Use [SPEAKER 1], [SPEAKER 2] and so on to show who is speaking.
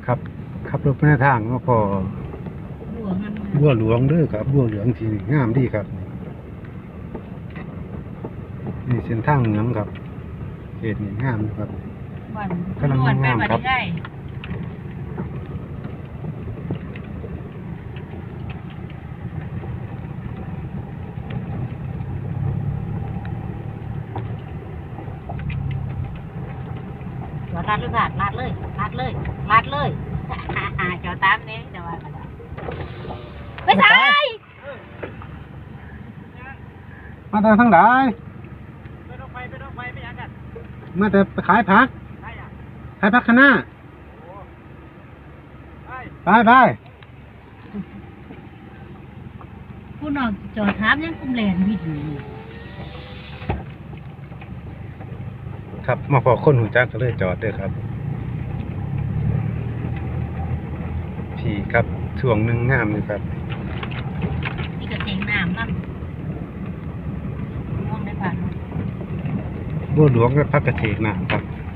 [SPEAKER 1] ครับขับรถไปในทางก็พอบัวหลวงเด้อครับบัวเหลืองที่งามดีครับนี่เส้นทางเหนืองครับเขตนี่งามครับกำลังงามครับ
[SPEAKER 2] ลาดเลยค่ะลาดเลยลาดเลยลาดเลยเจ้าตามนี้เจ้าว่าไม่ใช่
[SPEAKER 1] มาแต่ทั้งหลาย
[SPEAKER 3] ไปต้องไปไม่ยังกัน
[SPEAKER 1] มาแต่ขายผักขายผักคะน้าไป
[SPEAKER 2] ผู้น้องจอดถามยังกุ้มแลนวิดอยู่
[SPEAKER 1] ครับมาพอคนหูจักก็เลยจอดด้วยครับพี่ครับช่วงหนึ่งงามเลยครับ
[SPEAKER 2] นี่ก็เสียงน้ำนั่นมองได้ผ่าน
[SPEAKER 1] บัวหลวงและพักกระเฉกนะครับ